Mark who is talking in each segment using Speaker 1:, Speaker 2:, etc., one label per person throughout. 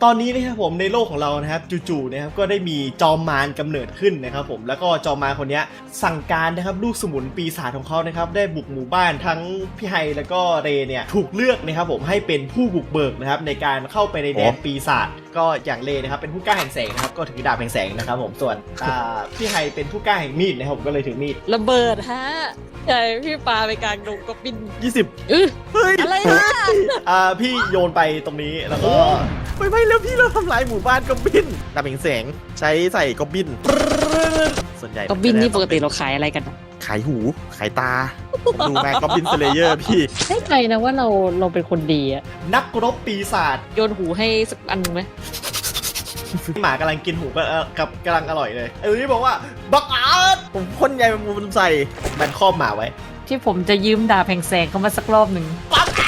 Speaker 1: ตอนนี้นะครับผมในโลกของเรานะครับจู่ๆนะครับก็ได้มีจอมมารกำเนิดขึ้นนะครับผมแล้วก็จอมมารคนนี้สั่งการนะครับลูกสมุนปีศาจของเขานะครับได้บุกหมู่บ้านทั้งพี่ไฮแล้วก็เรเนี่ยถูกเลือกนะครับผมให้เป็นผู้บุกเบิกนะครับในการเข้าไปในแดนปีศาจก็อย่างเรนะครับเป็นผู้กล้าแห่งแสงนะครับก็ถือดาบแห่งแสงนะครับผมส่วนพี่ไฮเป็นผู้กล้าแห่งมีดนะครับผมก็เลยถือมีด
Speaker 2: ระเบิดฮะใช่พี่ปาไปกลางดงก็บิน
Speaker 1: 20
Speaker 2: เฮ้ยอะไรนะ
Speaker 1: พี่โยนไปตรงนี้แล้วก็
Speaker 3: ไม่แล้วพี่เราทำลายหมู่บ้านกอบบินดาบแห่งแสงใช้ใส่กอบบินส่วนใหญ่
Speaker 2: ก็บินนี่ปกติเราขายอะไรกัน
Speaker 3: ขายหูขายตาดูแม่กอบบินสเลเยอร์พี่
Speaker 2: ให้ใจนะว่าเราเป็นคนดีอะ
Speaker 1: นักรบปีศาจ
Speaker 2: โยนหูให้สักอันนึงไหม
Speaker 1: หมากำลังกินหูกับกำลังอร่อยเลยไอ้ตัวนี้บอกว่าบักอาร์ต
Speaker 3: ผมพ่นใยแมงมุมใส่
Speaker 1: แบนครอบหมาไว้
Speaker 2: ที่ผมจะยืมดาบแห่งแสงเขามาสักรอบหนึ่ง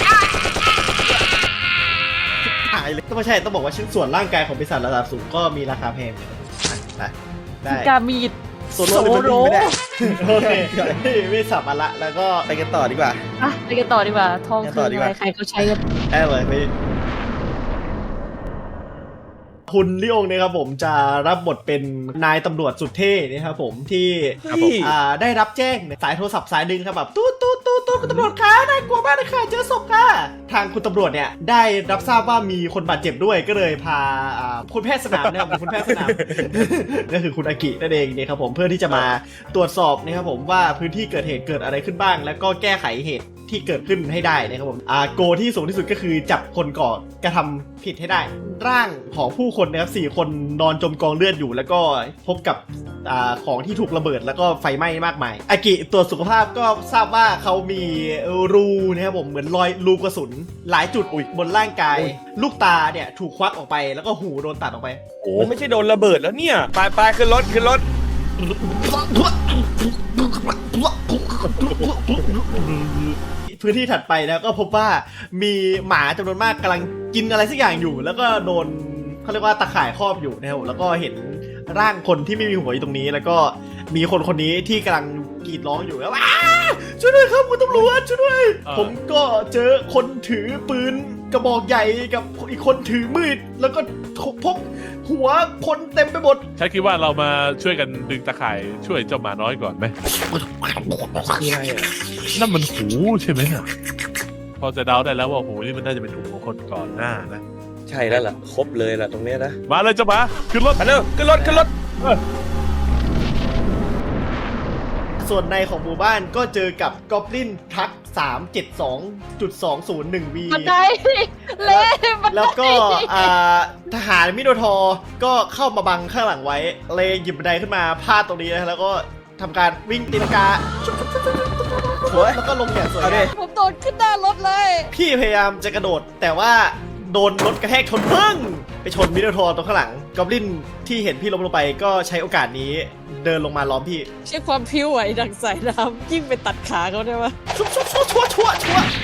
Speaker 3: หายเลย
Speaker 1: ต้องไม่ใช่ต้องบอกว่าชิ้นส่วนร่างกายของปีศาจระดับสูงก็มีราคาแพงนะได้
Speaker 2: กามีด
Speaker 3: โซโลไม่ได้
Speaker 1: โอเคไม่สับมาละแล้วก็
Speaker 3: ไปกันต่อดีกว่า
Speaker 2: อ่ะไปกันต่อดีกว่าทอง
Speaker 3: ไปกัน
Speaker 2: คื
Speaker 3: ต่อ
Speaker 2: อ
Speaker 3: ดีก
Speaker 2: อะไร
Speaker 3: ว่า
Speaker 2: ใครเขาใช้กัน
Speaker 1: ได้เลยพี่คุณลิองเนี่ยครับผมจะรับบทเป็นนายตำรวจสุดเท่นะครับผมที่
Speaker 3: ครับผม
Speaker 1: ได้รับแจ้งสายโทรศัพท์สายหนึ่งครับแบบตู้คุณตำรวจคะน่ากลัวมากเลยค่ะเจอศพค่ะทางคุณตำรวจเนี่ยได้รับทราบว่ามีคนบาดเจ็บด้วยก็เลยพาคุณแพทย์สนามนะครับคุณแพทย์สนาม ก็คือคุณอากินั่นเองเนี่ยครับผมเพื่อที่จะมาตรวจสอบนะครับผมว่าพื้นที่เกิดเหตุเกิดอะไรขึ้นบ้าง แล้วก็แก้ไขเหตุที่เกิดขึ้นให้ได้นะครับผมโกที่สูงที่สุดก็คือจับคนก่อกระทำผิดให้ได้ ร่างของผู้คนนะครับ4 คนนอนจมกองเลือดอยู่ แล้วก็พบกับของที่ถูกระเบิดแล้วก็ไฟไหม้มากมายอากิตรวจสุขภาพก็ทราบว่าเขามีรูนะครับผมเหมือนรอยรูกระสุนหลายจุดบนร่างกาย ลูกตาเนี่ยถูกควักออกไปแล้วก็หูโดนตัดออกไป
Speaker 4: โอ้ไม่ใช่โดนระเบิดแล้วเนี่ยไปขึ้นรถ
Speaker 1: พื้นที่ถัดไปนะก็พบว่ามีหมาจำนวนมากกำลังกินอะไรสักอย่างอยู่ แล้วก็โดนเขาเรียกว่าตะข่ายครอบอยู่นะครับแล้วก็เห็นร่างคนที่ไม่มีหัวอยู่ตรงนี้ แล้วก็มีคนนี้ที่กำลังกรีดร้องอยู่แล้วช่วยด้วยครับคุณตำรวจช่วยด้วยผมก็เจอคนถือปืนกระบอกใหญ่กับอีกคนถือมีดแล้วก็พบหัวคนเต็มไปหมด
Speaker 5: ฉันคิดว่าเรามาช่วยกันดึงตะข่ายช่วยเจ้าหมาน้อยก่อนไหม
Speaker 4: คืออะไรอ่ะ
Speaker 5: นั่นมันหูใช่ไหมน่ะพอจะเดาได้แล้วว่าหูนี่มันน่าจะเป็นหูของคนก่อนหน้านะ
Speaker 4: ใช่แล้วล่ะครบเลยล่ะตรงเนี้ยนะ
Speaker 5: มาเลยเจ้าหมาขึ้นรถ
Speaker 4: มาเร็วขึ้นรถ
Speaker 1: ส่วนในของหมู่บ้านก็เจอกับกอบลินทัก 372.201V
Speaker 2: บันไดเละบันได
Speaker 1: แล้วก็ทหารมิโดทอร์ก็เข้ามาบังข้างหลังไว้เลยหยิบบันไดขึ้นมาพาดตรงนี้นะแล้วก็ทำการวิ่งตีลังกาแล้วก็ลงอย่างสวยงาม
Speaker 2: ผมโดนขึ้นหน้ารถเลย
Speaker 1: พี่พยายามจะกระโดดแต่ว่าโดนรถกระแทกชนปึ้งไปชนมิโดทอร์ตรงข้างหลังกอบลินที่เห็นพี่ล้มลงไปก็ใช้โอกาสนี้เดินลงมาล้อมพี่
Speaker 2: ใช้ความพิ้วไหวดังสายน้ำยิ่งไปตัดขาเขาได้ไหม
Speaker 1: ชั่ว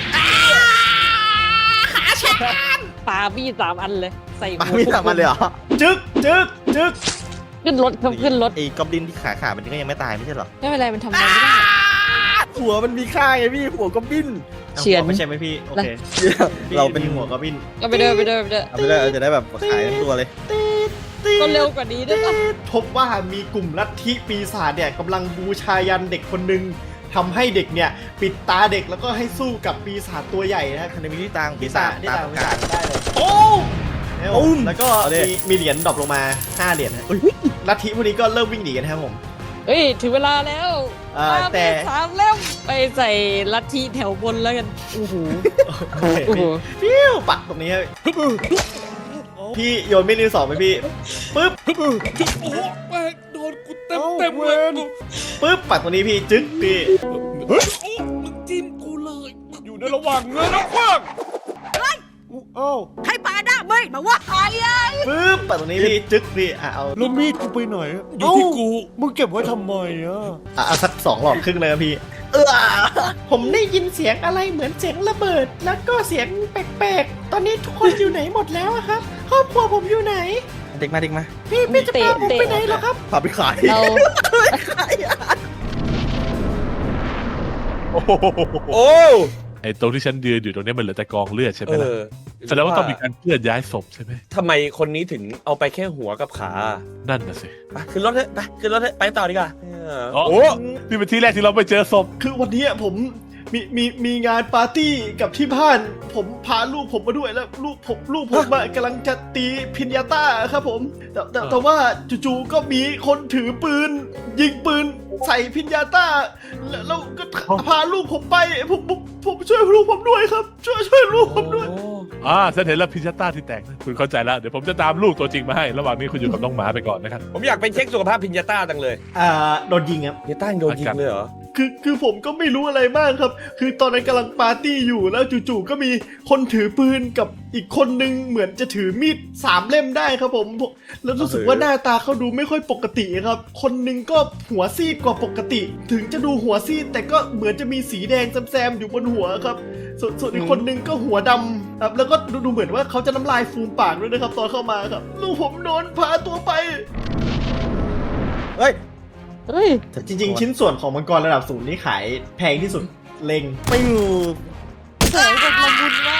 Speaker 1: ขาฉัน
Speaker 2: ปามีด3 อันเลย ใส่
Speaker 3: มาไม่ทำมันเลยเหรอ
Speaker 1: จึ๊ก
Speaker 2: ขึ้นรถครับขึ้นรถ
Speaker 3: ไอ้กอบลินที่ขามันก็ยังไม่ตายไม่ใช่เหรอ
Speaker 2: ไม่เป็นไรมันทำอะไรไม่ได้
Speaker 3: หัวมันมีค่าไงพี่หัวกอบบิน
Speaker 2: เฉือน
Speaker 1: ไม่ใช่ไหมพี่โอเค
Speaker 3: เราเป็น
Speaker 1: หัวกอบลิน
Speaker 2: ก็ไปเดิน
Speaker 3: เอาไปเลยจะได้แบบขายทั้งตัวเลย
Speaker 2: ก็เร็วกว่านี้ได้ปะ
Speaker 1: พบว่ามีกลุ่มลัทธิปีศาจเนี่ยกำลังบูชายันเด็กคนหนึ่งทำให้เด็กเนี่ยปิดตาเด็กแล้วก็ให้สู้กับปีศาจตัวใหญ่นะ
Speaker 3: คันมีที่ตัง
Speaker 1: ปี
Speaker 3: ปี
Speaker 1: ศา
Speaker 3: ศา
Speaker 1: จ
Speaker 3: จ
Speaker 1: ได้
Speaker 3: ตา
Speaker 1: ตาม
Speaker 3: ม
Speaker 1: ปี
Speaker 3: กา
Speaker 1: ศาร จได้เลยโอ้แล้วก็
Speaker 3: เอาดิ
Speaker 1: มีเหรียญดรอปลงมา5 เหรียญนะลัทธิพวกนี้ก็เริ่มวิ่งหนีกันครับผม
Speaker 2: เฮ้ยถึงเวลาแล้ว
Speaker 1: แต่
Speaker 2: 3 เล่มไปใส่ลัทธิแถวบนแล้วกันโอ้โห
Speaker 1: ฟิวปักตรงนี้ครับพี่โยนไม่รีสองไปพี่ปึ๊บ
Speaker 5: โอ้แม่งโดนกูเต็มเลย
Speaker 1: ปึ๊บปักตรงนี้พี่จึ๊กพี่
Speaker 5: มึงจิ้มกูเลยอยู่ในระหว่างเงินแล้วคว้าง
Speaker 6: ใครปาหน้าไม่มาว่าใครอ่ะ
Speaker 1: ปึ๊บปักตรงนี้พี่จึ๊กพี่เอา
Speaker 7: แล้วมีดกูไปไหน
Speaker 5: อยู่ที่กู
Speaker 7: มึงเก็บไว้ทำไมอ่ะ
Speaker 1: เอาสัก2 หลอดครึ่งเลยครับพี่ผมได้ยินเสียงอะไรเหมือนเสียงระเบิด แล้วก็เสียงแปลกๆตอนนี้ทุกคนอยู่ไหนหมดแล้วอะครับครอบครัวผมอยู่ไหน
Speaker 3: เด็กมา
Speaker 1: พี่จะพาผมไปไหนเหรอครับ
Speaker 3: พาไปขาย
Speaker 2: เรา
Speaker 4: โอ้
Speaker 5: ไอ้ตรงที่ฉันยืนอยู่ตรงนี้มันเหลือแต่กองเลือดใช่ไหม
Speaker 4: เอ
Speaker 5: ล่ะ
Speaker 4: อ
Speaker 5: แสดงว่าต้องมีการเคลื่อนย้ายศพใช่ไหม
Speaker 4: ทำไมคนนี้ถึงเอาไปแค่หัวกับขา
Speaker 5: นั่นน่ะสิ
Speaker 4: ไปขึ้นรถเถอะไปขึ้นรถเถอะไปต่อดีกว่า
Speaker 5: อ๋อ
Speaker 4: โอ้
Speaker 5: นี่เป็นที่แรกที่เราไปเจอศพ
Speaker 1: คือวันนี้ผมมีงานปาร์ตี้กับที่บ้าน ผมพาลูกผมมาด้วยแล้วลูกผมอะกำลังจะตีพิญญาต้าครับผมแต่ว่าจู่ๆก็มีคนถือปืน ยิงปืนใส่พิญญาต้าแล้วก็พาลูกผมไปผมช่วยลูกผมด้วยครับช่วยลูกผมด้วย
Speaker 5: ฉันเห็นแล้วพิชต้าที่แตกนะคุณเข้าใจแล้ว เดี๋ยวผมจะตามลูกตัวจริงมาให้ ระหว่างนี้คุณอยู่กับน้องหมาไปก่อนนะครับ
Speaker 4: ผมอยากไปเช็คสุขภาพพิญญาต้าจังเลย
Speaker 1: โดนยิงครับ
Speaker 4: พิญญาต้ายังโดนยิงเลยเหรอ
Speaker 1: คือผมก็ไม่รู้อะไรมากครับ คือตอนนั้นกำลังปาร์ตี้อยู่แล้วจู่ๆก็มีคนถือปืนกับอีกคนนึงเหมือนจะถือมีด3 เล่มได้ครับผมแล้วรู้สึกว่าหน้าตาเขาดูไม่ค่อยปกติครับ คนนึงก็หัวซีดกว่าปกติ ถึงจะดูหัวซีดแต่ก็เหมือนจะมีสีแดงแซมๆอยู่บนหัวครับ ส่วนอีกคนนึงก็หัวดำครับแล้วก็ดูเหมือนว่าเขาจะน้ำลายฟูมปากด้วยนะครับตอนเข้ามาครับลูกผมโดนพาตัวไป
Speaker 3: เฮ้ย
Speaker 2: เฮ้ย
Speaker 1: จริงๆ ชิ้นส่วนของมังกรระดับสูงนี่ขายแพงที่สุดเล็ง
Speaker 3: ปิ้ว
Speaker 2: แสงแบบละมุนมาก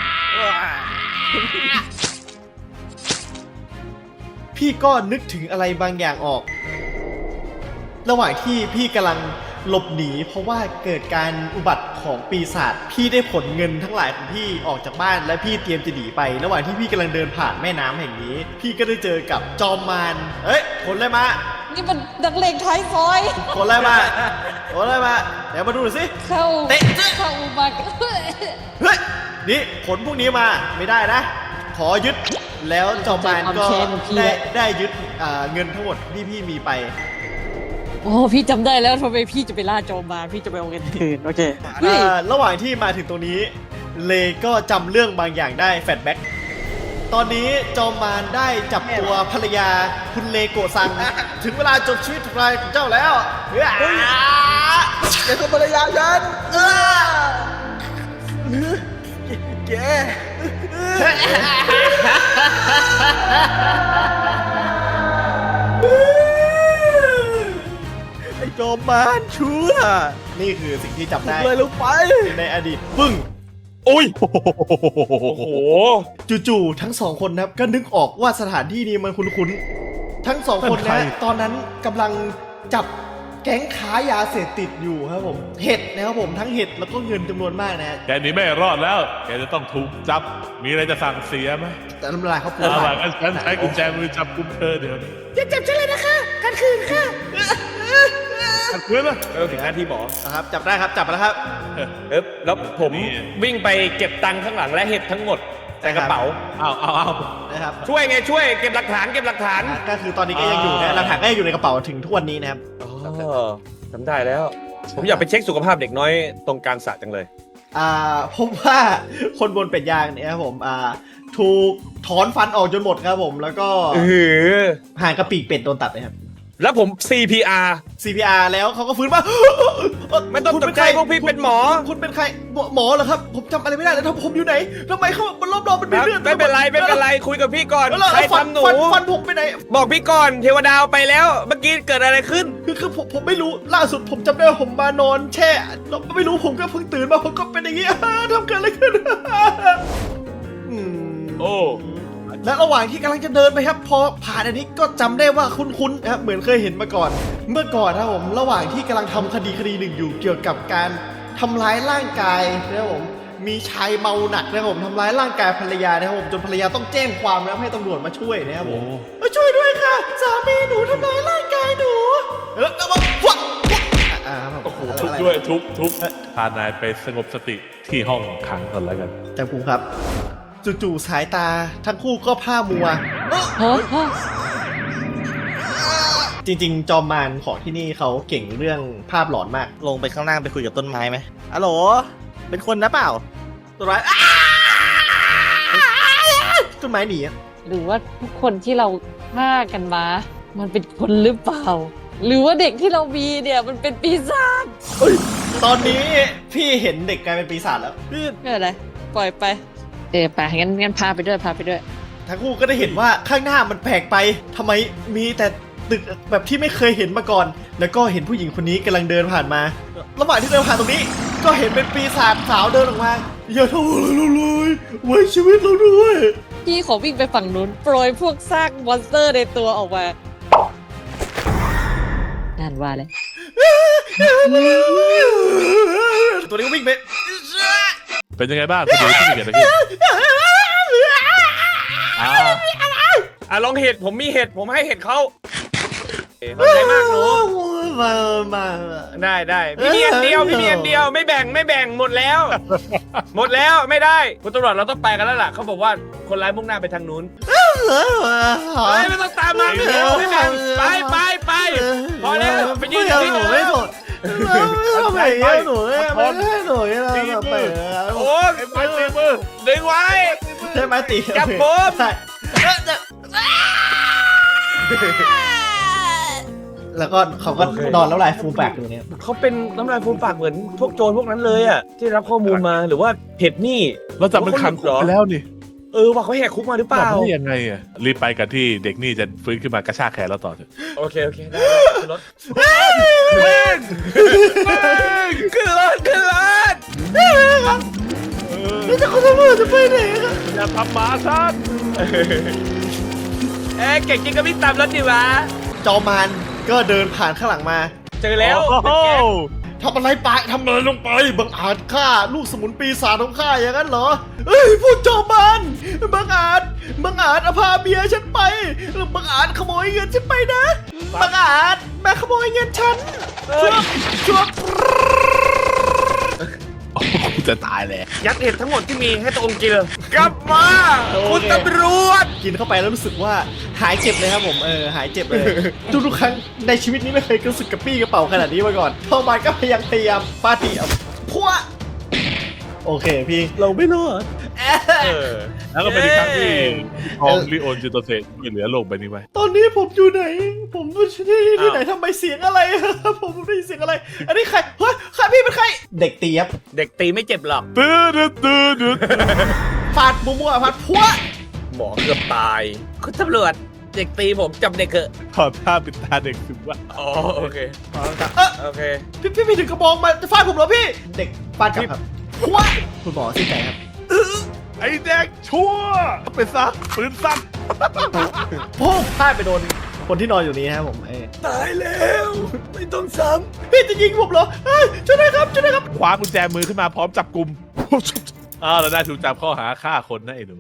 Speaker 1: พี่ก็นึกถึงอะไรบางอย่างออก ระหว่างที่พี่กำลังหลบหนีเพราะว่าเกิดการอุบัติของปีศาจพี่ได้ผลเงินทั้งหลายของพี่ออกจากบ้านและพี่เตรียมจะหนีไป ระหว่างที่พี่กำลังเดินผ่านแม่น้ำแห่งนี้ พี่ก็ได้เจอกับจอมมารเอ้ยผลอะไรมา
Speaker 2: นี่มันนักเลงท้ายซอย
Speaker 1: ผลอะไรมาผลอะไรมาเดี๋ยวมาดูหน่อยสิ
Speaker 2: เข้า
Speaker 1: เตะ
Speaker 2: เข้ามา
Speaker 1: เฮ้ยนี่ผลพวกนี้มาไม่ได้นะ ขอยึดแล้วจอมมารก็ได้ยึดเงินทั้งหมดที่พี่มีไป
Speaker 2: โอ้พี่จำได้แล้วทำไมพี่จะไปล่าโจมมาพี่จะไปเอาเงินคืนโอเคเฮ้ย
Speaker 1: ระหว่างที่มาถึงตรงนี้เลก็จำเรื่องบางอย่างได้แฟลชแบ็กตอนนี้จอมมารได้จับตัวภรรยาคุณเลโกะซัง ถึงเวลาจบชีวิตของเราของเจ้าแล้วเฮ้ย
Speaker 3: อย่าทำภรรยาฉันแกไอ้จอมมารชั่ว
Speaker 1: นี่คือสิ่งที่จำได้
Speaker 3: เลยลงไป
Speaker 1: ในอดีตปึ้ง
Speaker 4: อุ้ย โอ้โห
Speaker 1: จู่ๆทั้งสองคนนะครับก็นึกออกว่าสถานที่นี้มันคุ้นๆทั้งสองคนนะตอนนั้นกำลังจับแก๊งค้ายาเสพติดอยู่ครับผมเห็ดนะครับผมทั้งเห็ดแล้วก็เงินจำนวนมากนะ
Speaker 5: แกหนีไม่รอดแล้ว แกจะต้องถูกจับ มีอะไรจะสั่งเสียไหม
Speaker 1: แต่น้ำลายเขาปู
Speaker 5: เอา
Speaker 1: ปา
Speaker 5: ล่ะ
Speaker 1: ก
Speaker 5: งั้นฉันใช้กุญแจมือจับกุมเธอเดี๋ยวนี้
Speaker 6: อย่าจับฉันเลยนะคะกันคืนค่ะ
Speaker 5: ขัดขืนนะ
Speaker 4: เราถึงหน้าที่หมอ
Speaker 1: นะครับจับได้ครับจับมาแล้วครับ
Speaker 4: แล้วผม
Speaker 5: นี่
Speaker 4: วิ่งไปเก็บตังค์ข้างหลังและเห็ดทั้งหมดใส่กระเป๋า
Speaker 5: เอา
Speaker 1: นะครับ
Speaker 4: ช่วยไงช่วยเก็บหลักฐาน
Speaker 1: ก็คือตอนนี้ก็ยังอยู่นะหลักฐานก็ยังอยู่ในกระเป๋าถึงทุกวันนี้นะครับ
Speaker 4: อ๋อจำได้แล้ว ผมอยากไปเช็คสุขภาพเด็กน้อยตรงกลางสระจังเลย
Speaker 1: ผมว่าคนบนเป็ดยางเนี่ยครับผมถูกถอนฟันออกจนหมดครับผมแล้วก็ ห่างกระปีกเป็ดโดนตัดเลยครับ
Speaker 4: แล้วผม CPR
Speaker 1: CPR แล้วเขาก็ฟื้นมา
Speaker 4: ไม่ต้องตกใจพวกพี่เป็นหมอ
Speaker 1: คุณเป็นใครหมอเหรอครับผมจำอะไรไม่ได้แล้วถ้าผมอยู่ไหนทำไมเขาบนรอบๆมันมีเลือด
Speaker 4: ไม่เป็นไรคุยกับพี่ก่อน
Speaker 1: แล้ว
Speaker 4: ใคร
Speaker 1: ฟัน
Speaker 4: ทำหนู
Speaker 1: ฟันผมไปไหน
Speaker 4: บอกพี่ก่อนเทวดาเอาไปแล้ว เมื่อกี้เกิดอะไรขึ้น
Speaker 1: คือผมไม่รู้ล่าสุดผมจำได้ว่าผมมานอนแช่แล้วไม่รู้ผมก็เพิ่งตื่นมาผมก็เป็นอย่างนี้ ทำเกิดอะไรขึ้น
Speaker 4: โอ้
Speaker 1: และระหว่างที่กำลังจะเดินไปครับพอผ่านอันนี้ก็จำได้ว่าคุ้นๆนะครับเหมือนเคยเห็นมาก่อน เมื่อก่อนนะครับผมระหว่างที่กำลังทำคดีหนึ่งอยู่เกี่ยวกับการทำร้ายร่างกายนะครับผมมีชายเมาหนักนะครับผมทำร้ายร่างกายภรรยานะครับผมจนภรรยาต้องแจ้งความแล้วให้ตำรวจมาช่วยนะครับผมช่วยด้วยค่ะสามีหนูทำร้ายร่างกายหนูแล้วก็ฟัก
Speaker 5: โอ้โหทุบด้วยทุบพานายไปสงบสติที่ห้องขังก่อนแล้วกัน
Speaker 1: แต่ผมครับจู่ๆสายตาทั้งคู่ก็ผ้ามัว จริงๆจอมมารของที่นี่เขาเก่งเรื่องภาพหลอนมาก
Speaker 3: ลงไปข้างล่างไปคุยกับต้นไม้ไหมฮัลโหล เป็นคนนะเปล่า
Speaker 1: ต้นไม้ต้นไม้หนี
Speaker 2: หรือว่าทุกคนที่เราฆ่ากันมา มันเป็นคนหรือเปล่า หรือว่าเด็กที่เรามีเนี่ยมันเป็นปีศาจ
Speaker 1: ตอนนี้พี่เห็นเด็กกลายเป็นปีศาจแล้ว
Speaker 2: ไม่เป็นไรปล่อยไปไปงั้นพาไปด้วย
Speaker 1: ทั้งคู่ก็ได้เห็นว่าข้างหน้ามันแปลกไปทำไมมีแต่ตึกแบบที่ไม่เคยเห็นมาก่อน แล้วก็เห็นผู้หญิงคนนี้กำลังเดินผ่านมา ระหว่างที่เดินผ่านตรงนี้ก็เห็นเป็นปีศาจสาวเดินออกมาอย่าทำอะไรเราเลยไว้ชีวิตเราด้วย
Speaker 2: พี่ขอวิ่งไปฝั่งนู้นโปรยพวกซากมอนสเตอร์ในตัวออกมานั่นว่าเลย
Speaker 1: ตัวนี้ก็วิ่งไป
Speaker 5: เป็นยังไงบ้างคุณดูที่เกิดอะไรขึ้นอ่า
Speaker 4: ลองเห็ดผมมีเห็ดผมให้เห็ดเขาขอบใจมากหนู
Speaker 1: มา
Speaker 4: ได้พี่มีอันเดียวไม่แบ่งหมดแล้ว หมดแล้วไม่ได้คุณตำรวจเราต้องไปกันแล้วล่ะเขาบอกว่าคนร้ายมุ่งหน้าไปทางนู้นไม่ต้องตามมาไม่แบ่งไปพอแล้วไปยืนอยู่ที่หนู
Speaker 1: ไม่ถูกทำไมหนูไม่หนูเราไป
Speaker 4: โอ้ยไปตีมือดึงไว้
Speaker 1: ใช่ไหมตี
Speaker 4: จับผม
Speaker 1: ใช่แล้วก็เขาก็นอนแล้วลายฟูมปากอยู่เนี่ย
Speaker 4: เขาเป็นน้ำลายฟูมปากเหมือนพวกโจรพวกนั้นเลยอ่ะที่รับข้อมูลมาหรือว่าเห็ดนี่
Speaker 5: เราจับมันขังคุกไปแล้วนี่
Speaker 4: ว่าเขาแหกคุกมาหรือเป
Speaker 5: จับ
Speaker 4: ล่า
Speaker 5: ได้ยังไงอ่ะรีบไปกันที่เด็กนี่จะฟื้นขึ้นมากระชากแขนเราต่อเถอะ
Speaker 4: โอเคได้ขึ้นรถขึ้นรถ
Speaker 1: นี่จะคนตำรวจจะไปไหนครับ
Speaker 5: อย่าทำหมาฉัน
Speaker 4: เก่งจริงก็วิ่งตามรถดิวะ
Speaker 1: จอมันก็เดินผ่านข้างหลังมา
Speaker 4: เจอแล้ว
Speaker 5: โอ้โห
Speaker 1: ทำอะไรไปทำอะไรลงไปบังอาจฆ่าลูกสมุนปีศาจของข้าอย่างนั้นเหรอเอ้ยพูดจอมันบังอาจเอาพาเมียฉันไปบังอาจขโมยเงินฉันไปนะบังอาจมาขโมยเงินฉันชั่ว
Speaker 5: กูจะตายแล้ว
Speaker 4: ยัดเห็ดทั้งหมดที่มีให้ตรงกินกลับมาคุณตำรวจ
Speaker 1: กินเข้าไปแล้วรู้สึกว่าหายเจ็บเลยครับผมหายเจ็บเลยทุกครั้งในชีวิตนี้ไม่เคยรู้สึกกระปี้กระเป๋าขนาดนี้มาก่อนพอมันก็พยายามปาตีเอาพัวโอเคพี่เราไม่รอด
Speaker 5: แล้วก็เป็นอีกครั้งที่ทองลิโอนจิโตเซช่วยเหลือโลกใบนี้ไว้
Speaker 1: ตอนนี้ผมอยู่ไหนผมที่ไหนทำไมเสียงอะไรผมได้ยินเสียงอะไรอันนี้ใครเฮ้ยใครพี่เป็นใครเด็กตีครับ
Speaker 4: เด็กตีไม่เจ็บหรอก
Speaker 5: ตื้อ
Speaker 1: ฟาดมั่วๆฟาดพัว
Speaker 4: หมอเกือบตายคุณตำรวจเด็กตีผมจับเด็กเถอะ
Speaker 5: ขอท่าปิดตาเด็กถึงว่า
Speaker 4: อ๋อโอเคโอเค
Speaker 1: พี่ถึงกระบองมาจะฟาดผมเหรอพี่เด็กฟาดกลับครับพัวคุณหมอสิ้นใจครับ
Speaker 5: ไอ้เด็กชั่วเป็นซะปืนสั้น
Speaker 1: พุ่งพลาดไปโดนคนที่นอนอยู่นี้นะครับผมตายแล้วไม่ต้องซ้ำพี่จะยิงผมเหรอช่วยด้วยครับ
Speaker 5: คว้ากุญแจมือขึ้นมาพร้อมจับกลุ่มเราได้ถูกจับข้อหาฆ่าคนนะไอ้หนู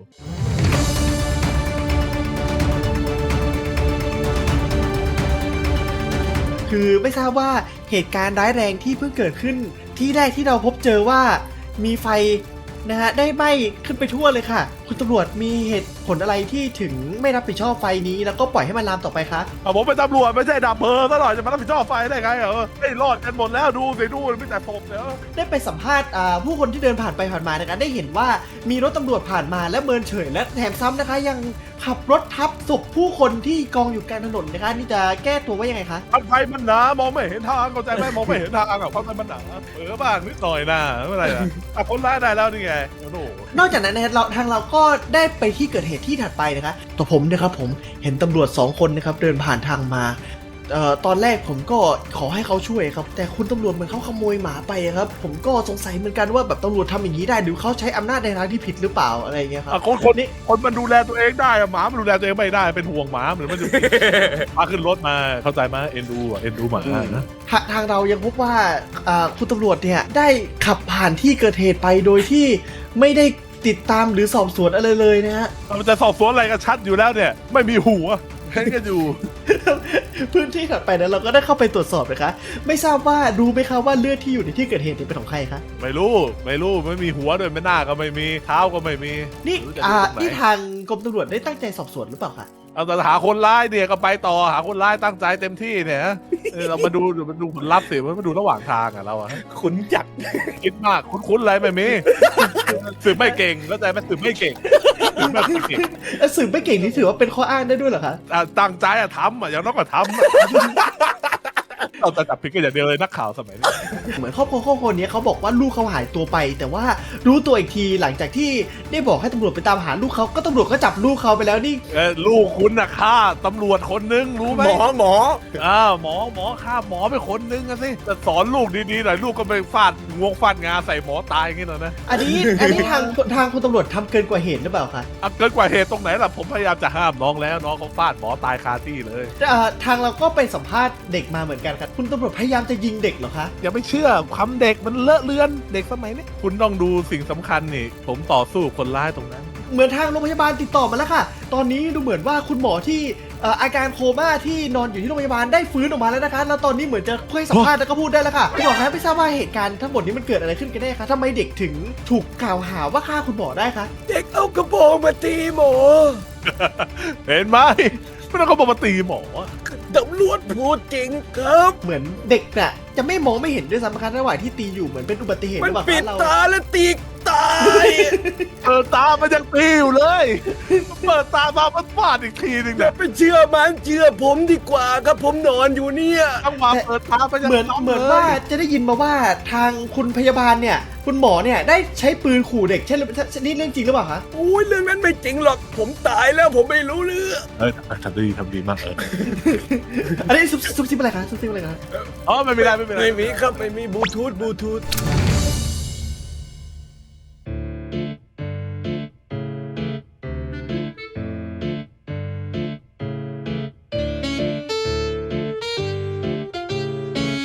Speaker 1: คือไม่ทราบว่าเหตุการณ์ร้ายแรงที่เพิ่งเกิดขึ้นที่แรกที่เราพบเจอว่ามีไฟนะฮะได้ไหม้ขึ้นไปทั่วเลยค่ะ คุณตำรวจมีเหตุผลอะไรที่ถึงไม่รับผิดชอบไฟนี้แล้วก็ปล่อยให้มันลามต่อไปคะ
Speaker 5: ผมเป็นตำรวจไม่ใช่ดับเพลิงซะหน่อยจะมารับผิดชอบไฟได้ไงไม่รอดกันหมดแล้วดูสิดูไม่แต่ผมเดี๋ยว
Speaker 1: ได้ไปสัมภาษณ์ผู้คนที่เดินผ่านไปผ่านมานะคะได้เห็นว่ามีรถตำรวจผ่านมาและเมินเฉยและแถมซ้ำนะคะยังขับรถทับศพผู้คนที่กองอยู่กลางถนนนะคะนี่จะแก้ตัวว่ายังไงคะ
Speaker 5: ไฟมันหนามองไม่เห็นทางเข้าใจไหมมองไม่เห็นทางเพราะไฟมันหนาบ้างนิดหน่อยนะไม่เป็นไรนะคนร้ายได้แล้วนี่ไงโอ้โห
Speaker 1: นอกจากนั้นนะครับทางเราก็ได้ไปที่เกิดเหตุที่ถัดไปนะคะตัวผมนะครับผมเห็นตำรวจ2คนนะครับเดินผ่านทางมาตอนแรกผมก็ขอให้เขาช่วยครับแต่คุณตำรวจเหมือนเขาขโมยหมาไปครับผมก็สงสัยเหมือนกันว่าแบบตำรวจทำอย่างนี้ได้หรือเขาใช้อำนาจในทางที่ผิดหรือเปล่าอะไรอย่างเงี้ยครับ
Speaker 5: คนมันดูแลตัวเองได้หมามันดูแลตัวเองไม่ได้เป็นห่วงหมาเหมือนมันจะมาขึ้นรถมาเข้าใจไหมเอ็นดูหมานะ
Speaker 1: ทางเรายังพบว่าคุณตำรวจเนี่ยได้ขับผ่านที่เกิดเหตุไปโดยที่ไม่ได้ติดตามหรือสอบสวนอะไรเลยนะฮะ
Speaker 5: มันจะสอบสวนอะไรกันชัดอยู่แล้วเนี่ยไม่มีหัวแค่กันอยู่
Speaker 1: พื้นที่ถัดไปนั้นเราก็ได้เข้าไปตรวจสอบนะคะไม่ทราบว่ารู้ไหมคะว่าเลือดที่อยู่ในที่เกิดเหตุเป็นของใครคะ
Speaker 5: ไม่รู้ไม่มีหัวด้วยไม่หน้าก็ไม่มีเท้าก็ไม่มี
Speaker 1: นี่
Speaker 5: รู้จะดูตรงไหน
Speaker 1: นี่ทางกรมตำรวจได้ตั้งใจสอบสวนหรือเปล่าคะ
Speaker 5: เอาแต่หาคนร้ายเนี่ยก็ไปต่อหาคนร้ายตั้งใจเต็มที่เนี่ยเรามาดูผลลัพธ์สิมาดูระหว่างทางอ่ะเราอะ
Speaker 4: ขุนจักร
Speaker 5: คิดมากคุ้นๆอะไรไม่มีสืบไม่เก่งแล้วใจไม่สืบไม่เก่งสืบไม่เก่ง
Speaker 1: สืบไม่เก่งนี่ถือว่าเป็นข้ออ้างได้ด้วยเหรอคะ
Speaker 5: ตั้งใจอะทำอะอย่างน้อยก็ทำเราจะจับผิดกันอย่างเดียวเลยนักข่าวสมัยนี้
Speaker 1: เหมือนครอบครัวนี้เขาบอกว่าลูกเขาหายตัวไป แต่ว่ารู้ตัวอีกทีหลังจากที่ได้บอกให้ตำรวจไปตามหาลูกเขาก็ตำรวจก็จับลูกเขาไปแล้วนี่
Speaker 5: ลูกคุณน่ะฆ่าตำรวจคนนึงรู้ไหม
Speaker 3: หมอ
Speaker 5: หมอฆ่าหมอไปคนนึงอะสิแต่สอนลูกดีๆหน่อยลูกก็ไปฟาดงวงฟาดงาใส่หมอตายอย่างงี้หน่อยนะ
Speaker 1: อันนี้ทางคุณตำรวจทำเกินกว่าเหตุหรือเปล่าคะ
Speaker 5: เกินกว่าเหตุตรงไหนล่ะผมพยายามจะห้ามน้องแล้วน้องเขาฟาดหมอตายคาที่เลย
Speaker 1: ทางเราก็ไปสัมภาษณ์เด็กมาเหมือนกันครับคุณตำรวจพยายามจะยิงเด็กเหรอคะ
Speaker 5: อย่าไปเชื่อคำเด็กมันเลอะเลือนเด็กสมัยนี้คุณต้องดูสิ่งสำคัญนี่ผมต่อสู้คนร้ายตรงนั้น
Speaker 1: เหมือนทางโรงพยาบาลติดต่อมาแล้วค่ะ ตอนนี้ดูเหมือนว่าคุณหมอที่อาการโคม่าที่นอนอยู่ที่โรงพยาบาลได้ฟื้นออกมาแล้วนะคะ แล้วตอนนี้เหมือนจะค่อยสัมภาษณ์แล้วก็พูดได้แล้วค่ะคุณหมอคะไม่ทราบว่าเหตุการณ์ทั้งหมดนี้มันเกิดอะไรขึ้นกันแน่คะทำไมเด็กถึงถูกกล่าวหาว่าฆ่าคุณหมอได้คะ
Speaker 4: เด็กเอากระโปรงมาตีหมอ
Speaker 5: เห็นไหมไม่ต้องเขาบอกมาตีหมอ
Speaker 4: ตำรวจพูดจริงครับ
Speaker 1: เหมือนเด็กน่ะจะไม่มองไม่เห็นด้วยซ้ำนะคะระหว่างที่ตีอยู่เหมือนเป็นอุบัติเหตุห
Speaker 4: มั
Speaker 1: รื
Speaker 4: น
Speaker 1: อเปล่า
Speaker 4: ปิด
Speaker 1: คะเรา
Speaker 4: ตาแล้วตีตาย
Speaker 5: เปิดตามันยังตีอยู่เลยเปิดตามามันฟาดอีกทีหนึ่ง
Speaker 4: อ
Speaker 5: เนี่
Speaker 4: ย่าย ไปเชื่อมันเชื่อผมดีกว่าครับผมนอนอยู่เนี่ย
Speaker 5: จังหวะเปิดตามันยัง
Speaker 1: เหมือนว่าจะได้ยินมาว่าทางคุณพยาบาลเนี่ยคุณหมอเนี่ยได้ใช้ปืนขู่เด็กใช่หรือนี่เรื่องจริงหรือเปล่าคะ
Speaker 4: โอ้ยเรื่องนั้นไม่จริงหรอกผมตายแล้วผมไม่รู้เรื่อง
Speaker 5: ทำดีมาก
Speaker 1: อันนี้ซุบซิบอะไรคะซุบซิบอะไรคะ
Speaker 5: อ๋อไม่เป็นไร
Speaker 4: ไม่มีครับไม่มีบลูทูธ